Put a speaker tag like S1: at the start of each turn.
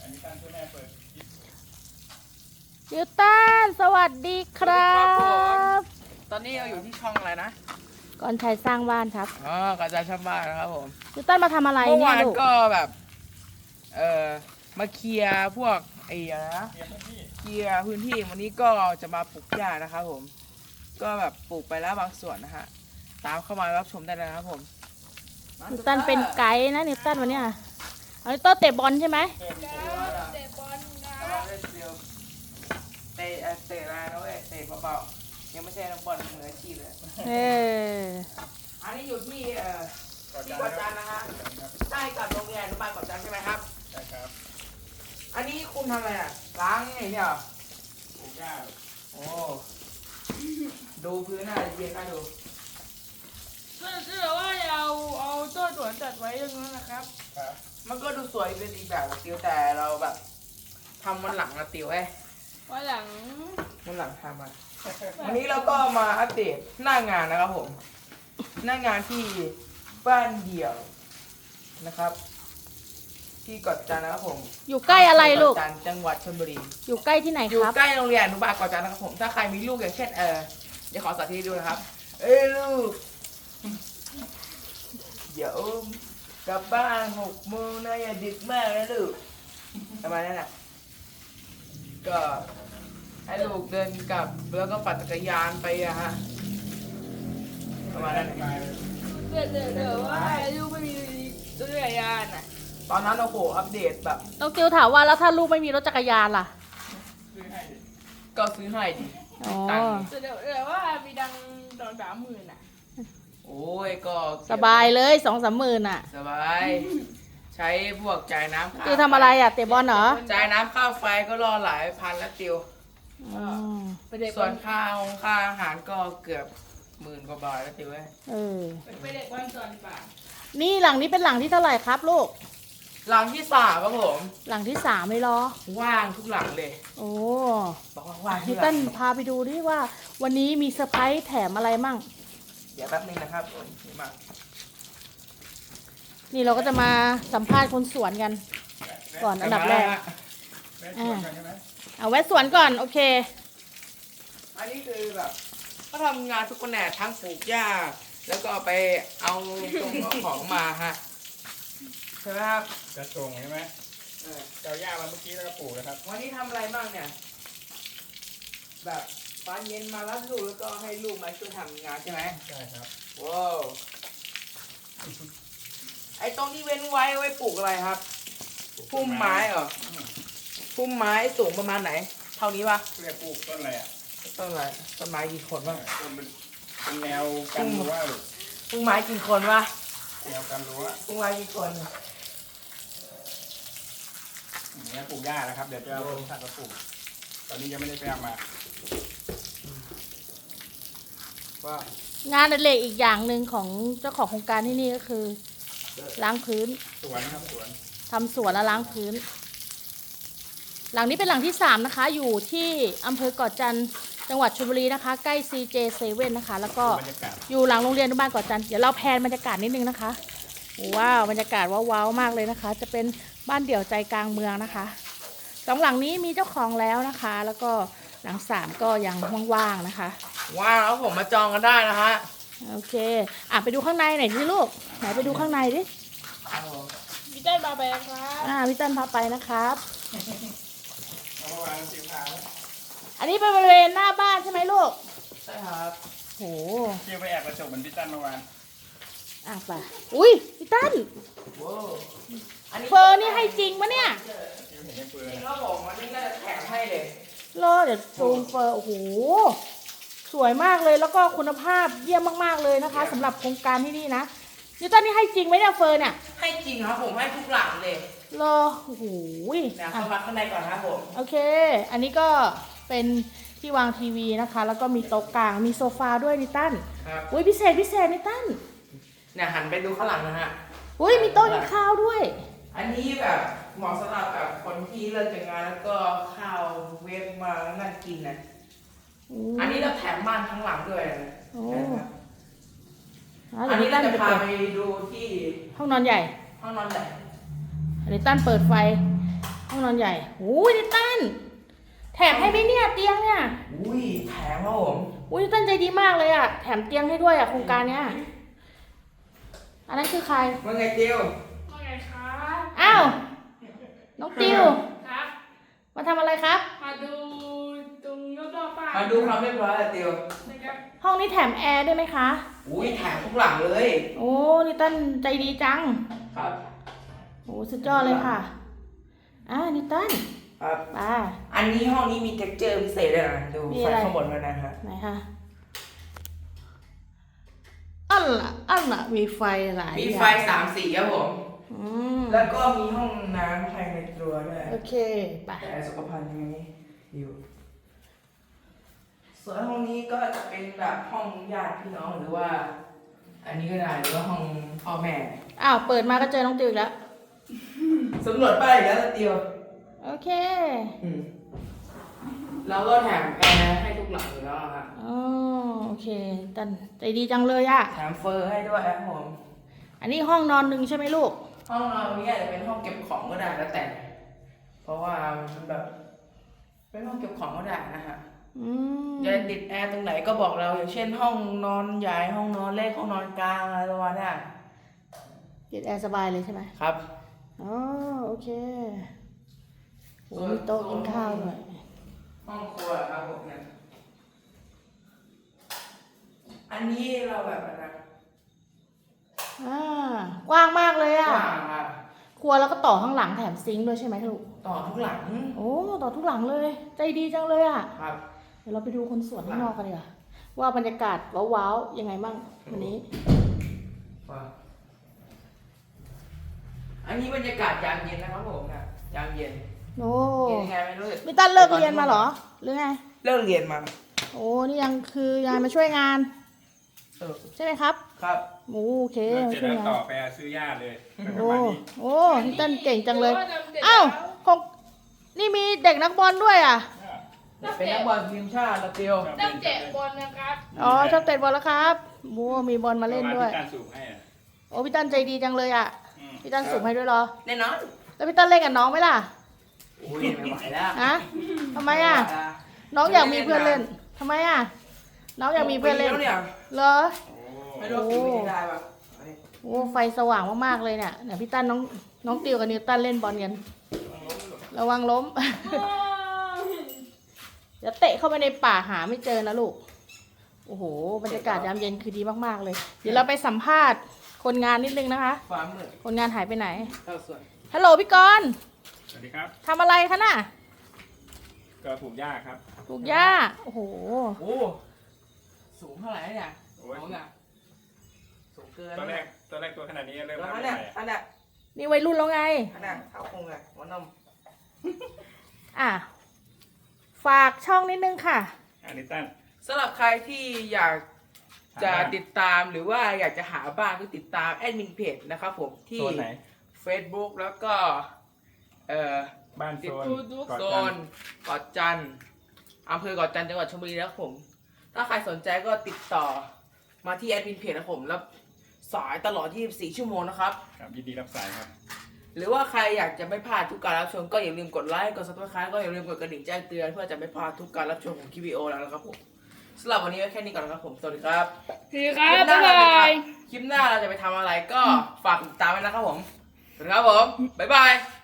S1: นิวตันสวัสดีครับ
S2: ตอนนี้เราอยู่ที่ช่องอะไรนะ
S1: ก่อนชัยสร้างบ้านครับ
S2: อ๋อกระจายช่องบ้านนะครับผม
S1: นิวตันมาทำอะไร
S2: เมื่อ
S1: เนี่ยว
S2: าน
S1: ลูก
S2: ก็แบบมาเคลียร์พวกไอ้อะไรนะเคลียร์พื้นที่วันนี้ก็จะมาปลูกหญ้านะครับผม ก็แบบปลูกไปแล้วบางส่วนนะฮะตามเข้ามารับชมได้เลยนะครับผม
S1: นิวตันเป็นไกด์นะนิวตันวันเนี้ยเอานิวตันเตะบอลใช่ไหม
S2: เตะบอลนะเตะอะไรนะเว้ยเตะเบาๆยังไม่ใช่นักบอลมืออาชีพเลย
S1: เออ
S2: อันนี้อยู่ที่ที่เกาะจันทร์นะฮะใกล้กับโรงเรียนอนุบาลเกาะจันทร์ใช่ไหมครับใช่ครับอันนี้คุณทำอะไรอ่ะล้างไงเนี่ยปลูกหญ้าโอ้ดูพื้นหน้าเย็นน่าดูคือแบบว่าเอาต้นสวนจัดไว้อย่างนั้นนะครับมันก็ดูสวยเป็นอีกแบบติวแต่เราแบบทำวันหลังนะติว
S1: วันหลัง
S2: วันหลังทำอ่ะวันนี้เราก็มาอัปเดตหน้างานนะครับผมหน้างานที่บ้านเดี่ยวนะครับ ที่เกาะจันทร์นะครับผม
S1: อยู่ใกล้อะไรลูก
S2: เกาะจันทร์จังหวัดชลบุรี
S1: อยู่ใกล้ที่ไหน
S2: อยู่
S1: ครับ
S2: ใกล้โรงเรียนอนุบาลเกาะจันทร์นะครับผมถ้าใครมีลูกอย่างเช่นเดี๋ยวขอสาธิตให้ดูนะครับลูกเดี๋ยวกลับบ้าน6 โมงนะอย่าดึกมากนะลูกประมาณนั้นน่ะก็ให้ลูกเดินกลับแล้วก็ปั่นจักรยานไปอะฮะประมาณนั้นน่ะ
S3: เดี๋ยวว่าลูกไม่มีตัวจักรยานอ่ะ
S2: ตอนนั้นโอ้โหอัปเดตแบบ
S1: น้องจิวถามว่าแล้วถ้าลูกไม่มีรถจักรยานล่ะ
S2: ก็ซื้อให้ดิ
S1: อ๋อ
S2: ตังค์
S3: เดี๋ยวว่ามีดัง2-30,000อ่ะ
S2: โอ้ยก็
S1: สบายเลย2-3 หมื่นอ่ะ
S2: สบาย ใช้พวกจ่ายน้ำ
S1: จิวทำอะไรอ่ะเตะบอลเหรอ
S2: จ่ายน้ำค่าไฟก็รอหลายพันแล้วติว
S1: อืม
S3: ไปเด็ก
S2: ส่วนค่าอาหารก็เกือบ10,000 กว่าบาทแล้วติวเอ้ย
S1: เออ
S3: ไปเด็กวันก่อนดีกว่า
S1: นี่หลังนี้เป็นหลังที่เท่าไหร่ครับลูก
S2: หลังที่3ครับผม
S1: หลังที่3เลยเหรอ
S2: ว่างทุกหลังเลย
S1: โอ้
S2: บอกว่าว่างทุ
S1: พี่
S2: กหลั
S1: เต้น
S2: ง
S1: พาไปดูดิว่า วันนี้มีเซอร์ไพรส์แถมอะไรมั่ง
S2: เดี๋ยวแป๊บนึงนะครับผมนี่มา
S1: นี่เราก็จะมาสัมภาษณ์คนสวนกัน ก่อนอันดับแรกเอาแวะสวนก่อนโอเค
S2: อันนี้คือแบบก็ทำงานทุกแผนกทั้งปลูกหญ้าแล้วก็ไปเอาตรงเอาของมาฮะใช่ไหมครับ
S4: กระส่งใช่ไหม
S2: เออ
S4: เจ้าหญ้ามาเมื่อกี้แล้วก็ปลูกนะครับ
S2: วันนี้ทำอะไรบ้างเนี่ย แบบตอนเย็นมารับลูกแล้วก็ให้ลูกมาช่วยทำงานใช่ไหม
S4: ใช่ครับ
S2: ว้าวไอ้ตรงที่เว้นไว้ไว้ปลูกอะไรครับพุ่มไม้เหรอพุ่มไม้สูงประมาณไหน เท่านี้ปะ
S4: เรียกปลูกต้นอะไรอ่ะ
S2: ต้นอะไรต้นไม้กี่คนบ้าง
S4: ต้นเป็นแนวกันรั้วหรือ
S2: พุ่มไม้กี่คนวะ
S4: แนวกันรั้ว
S2: พุ่มไม้กี่คน
S4: อย่างนี้ปลูกหญ้านะครับ เดี๋ยวจะเอาต้นสัตว์มาปลูก ตอนนี้ยังไม่ได้ไปเอามา
S2: ว่า
S1: งานอดิเรกอีกอย่างหนึ่งของเจ้าของโครงการที่นี่ก็คือ ล้างพื้น
S4: สวนนะครับสวน
S1: ทำสวนและล้างพื้น หลังนี้เป็นหลังที่3นะคะ อยู่ที่อำเภอเกาะจันทร์จังหวัดชลบุรีนะคะ ใกล้ CJ7 นะคะ แล้วก็
S4: บรรยากาศ
S1: อยู่หลังโรงเรียนอนุบาลเกาะจันทร์เดี๋ยวเราแพนบรรยากาศนิดนึงนะคะว้าวบรรยากาศว้าวๆมากเลยนะคะ จะเป็นบ้านเดี่ยวใจกลางเมืองนะคะ2 หลังนี้มีเจ้าของแล้วนะคะ แล้วก็หลัง3ก็ยังว่างๆนะคะ
S2: ว้าวผมมาจองกันได้นะฮะ
S1: โอเคไปดูข้างในหน่อยสิลูกไหนไปดูข้างในดิ
S3: พี่เต้นมาไปครับ
S1: พี่ตั้นพาไปนะครับ
S4: เอามาวางสีขาว
S1: อันนี้เป็นบริเวณหน้าบ้านใช่ไหมลูก
S2: ใช่ครับ
S1: โห
S4: เที่ยวไปแอบกระจกเหมือนพี่ตั้นเมื่อวาน
S1: ไปอุ้ยพี่ตั้น
S2: ว้าวอันนี้
S1: เฟอร์นี่ให้จริงปะเนี่ย
S4: เที่ยวเห็นยังเปลือ
S2: จริ
S4: ย
S2: งครับผมอันนี้น่าจะแถมให้เลย
S1: รอเดี๋ยวซูมเฟอร์โอ้โหสวยมากเลยแล้วก็คุณภาพเยี่ยมมากๆเลยนะคะสำหรับโครงการที่นี่นะนิวตันนี่ให้จริงไหมเนี่ยเฟอร์เนี่ย
S2: ให้จริงครับผมให้ทุกหลังเลย
S1: รอโอ้โห
S2: นะเข้ามาข้างในก่อนครับผม
S1: โอเค อันนี้ก็เป็นที่วางทีวีนะคะ แล้วก็มีโต๊ะกลางมีโซฟาด้วยนิวตัน
S2: ครับ
S1: อุ้ยพิเศษนิวตัน
S2: เนี่ยหันไปดูข้างหลังนะฮะ
S1: อุ้ยมีโต๊ะกินข้าวด้วย
S2: อันนี้แบบเหมาะสำหรับแบบคนที่เลิกจากงานแล้วก็ข้าวเวฟมานั่งกินนะอันนี้เราแถมบ้านทั้งหลังด้วยนะ
S1: โอ้
S2: นะครับ
S1: อั
S2: อั
S1: น
S2: น
S1: นี้
S2: นี้
S1: ตั้
S2: เรา
S1: น
S2: จะ
S1: ไป
S2: พา
S1: เปิด
S2: ไปดูที่
S1: ห้องนอนใหญ่
S2: ห้องนอนใหญ่
S1: อันนี้ตั้นเปิดไฟห้องนอนใหญ่โอ้ยนิตันแถมให้ไหมเนี่ยเตียงเนี่ย
S2: อุ้ยแถมครับผม
S1: อุ้ยนิตันใจดีมากเลยอ่ะแถมเตียงให้ด้วยอ่ะโครงการเนี้ยอันนั้นคือใคร
S2: ว่าไงติว
S3: ว่าไงครับ
S1: อ้าวน้องติว
S3: ครับ
S1: มาทำอะไรครับ
S3: มาดูตรงรอบๆบ้าน
S2: มาดูความเรียบร้อยอะติว
S3: นะครับ
S1: ห้องนี้แถมแอร์ด้วยไหมคะ
S2: อุ้ยแถมทุกหลังเลย
S1: โอ้นิตันใจดีจัง
S2: ครับ
S1: โอ้สุดยอดเลยค่ะนิตัน
S2: ครับ
S1: ไป
S2: อันนี้ห้องนี้มีเท็กเจอร์พิเศษเลยนะดู
S1: มี
S2: ไฟ
S1: อะไร
S2: ข้างบนด้วยนะฮะ
S1: ไหนคะอันละมีไฟหลาย
S2: มี
S1: อย่าง
S2: ไฟ3 สีครับผม
S1: อืม
S2: แล้วก็มีห้องน้ำภายในตัวด้วย
S1: โอเคไป
S2: แต่สุขภัณฑ์ยังไงอยู่ส่วนห้องนี้ก็จะเป็นแบบห้องญาติพี่น้องหรือว่า อันนี้ก็ได้หรือว่าห้องพ่อแม่
S1: อ้าวเปิดมาก็เจอน้องติวอีกแล้ว
S2: สำรวจป้ายอีกแล้วเตียว
S1: โอเค
S2: แล้วก็แถมแอร์ให้ทุกหลังอยู่แล้วอะฮะ
S1: อ๋อโอเคตันใจดีจังเลยอะ
S2: แถมเฟอร์ให้ด้วยครับผม
S1: อันนี้ห้องนอนหนึ่งใช่ไหมลูก
S2: ห้องนอนนี้อาจจะเป็นห้องเก็บของก็ได้แล้วแต่ เพราะว่ามันแบบ เป็นห้องเก็บของก็ได้นะฮะ
S1: อืม
S2: จะติดแอร์ตรงไหนก็บอกเราอย่างเช่น ห้องนอนใหญ่ห้องนอนเล็กห้องนอนกลางอะไรประมาณนี้
S1: ติดแอร์สบายเลยใช่ไหม
S2: ครับ
S1: อ๋อโอเคโอ้มีโต๊ะกินข้าวด้วย
S2: ห้องครัวครับผมเนี่ยอันนี้เราแบบอะไรนะ
S1: กว้างมากเลย
S2: ก
S1: อะ
S2: ว้างครับ
S1: ครัวแล้วก็ต่อข้างหลังแถมซิงค์ด้วยใช่ไหมลูก
S2: ต่อทุกหลัง
S1: โอ้ต่อทุกหลังเลย ใจดีจังเลยอะ
S2: ครับ
S1: เดี๋ยวเราไปดูคนสวนข้างนอกกันดีกว่าว่าบรรยากาศว้าวๆยังไงบ้างวันนี้
S2: อันนี้บรรยากาศยามเย็นนะครับผมนะยามเย็น
S1: โอ้
S2: เย็นยังไงไม่รู้
S1: มิตันเลิกเรียนมาเหรอหรือไง
S2: เลิกเรียนมา
S1: โอ้นี่ยังคือยายมาช่วยงาน ใช่ไหมครับ
S2: ครับ
S1: โอเค
S4: เส
S1: มา
S4: ร็จ
S1: ช่วย
S4: แล้ว
S1: งาน
S4: ต่อไปซื้อย่าเลยประ
S1: โอ้
S4: มาณนี้
S1: โอ้มิตันเก่งจังเลย
S3: ว่าทำสร็จ
S1: อ้าว
S3: แล้ว
S1: ของนี่มีเด็กนักบอลด้วยอ่ะ
S2: เป็นนักบอลทีมชาติละเตียว
S3: ต้องเตะบอลนะครับ
S1: อ๋อชอบเตะบอลแล้วครับโอ้มีบอลมาเล่นด้วย
S4: ที่การสูบให้อ่ะ
S1: โอ้พี่ตันใจดีจังเลยอ่ะ
S4: อืม
S1: พี่ตันสูงให้ด้วยเหรอ
S2: แน่นอน
S1: แล้วพี่ตันเล่นกับน้องไหมล่ะ
S2: อุ้ยไม่ไหวแล้ว
S1: ฮะทำไมอ่ะ น้องอยากมีเพื่อนเล่นทำไมอ่ะ น้องอยากมีเพื่อนเล่น
S2: ปีแล้วเนี่ย
S1: เหรอ
S4: โอ้
S2: ไม่รู้กี่ปีได้ปะ
S1: โอ้ไฟสว่างมากๆเลยเนี่ยเนี่ยพี่ตันน้องติวกับนิวตันเล่นบอลกันระวังล้ม เดี๋ยวเตะเข้าไปในป่าหาไม่เจอนะลูก โอ้โห บรรยากาศยามเย็นคือดีมากๆเลย เดี๋ยวเราไปสัมภาษณ์คนงานนิดนึงนะคะ
S2: ความมืด
S1: คนงานหายไปไหน
S2: เข้าส่วน
S1: ฮัลโหลพี่กรณ์
S4: สวัสดีครับ
S1: ทำอะไรคะน่ะ
S4: ก็ปลูกหญ้าครับ
S1: ปลูกหญ้า โอ้โห
S2: โอ้สูงเท่าไหร่เนี่ย
S4: โอ้ย
S2: น้องอ่ะสูงเกิน
S4: ตอนแรกตัวขนาดนี้เริ่ม
S2: แล้ว
S4: ทำ
S2: อัน
S4: ให
S2: เนี้ย
S4: ม่
S2: อันเนี้ย
S1: นี่วัยรุ่นแล้วไง
S2: อันเนี้ยเท้าคงไงหัวนม
S1: อ่ะ ฝากช่องนิดนึงค่ะ
S4: อันนี้ตั้น
S2: สำหรับใครที่อยากจะติดตามหรือว่าอยากจะหาบ้านก็ติดตามแอดมินเพจนะครับผมที่
S4: โซนไหน
S2: Facebook แล้วก็
S4: บ้านโซนกอด
S2: โซ
S4: กัน
S2: นเกาะจันทร์อำเภอเกาะจันทร์จังหวัดชลบุรีนะครับผม ถ้าใครสนใจก็ติดต่อมาที่แอดมินเพจนะครับผมแล้วสายตลอด 24 ชั่วโมงนะครับ
S4: ครับยินดีรับสายครับ
S2: หรือว่าใครอยากจะไม่พลาดทุกการรับชมก็อย่าลืมกดไลค์กด subscribe ก็อย่าลืมกดกระดิ่งแจ้งเตือนเพื่อจะไม่พลาดทุกการรับชมของคลิปวิดีโอแล้วนะครับผมสำหรับวันนี้ไว้แค่นี้ก่อนนะครับผมสวัสดีครับ
S3: สวัสดีครับบ๊ายบาย
S2: คลิปหน้าเราจะไปทำอะไรก็ฝากติดตามไว้นะครับผมสวัสดีครับผม บ๊ายบาย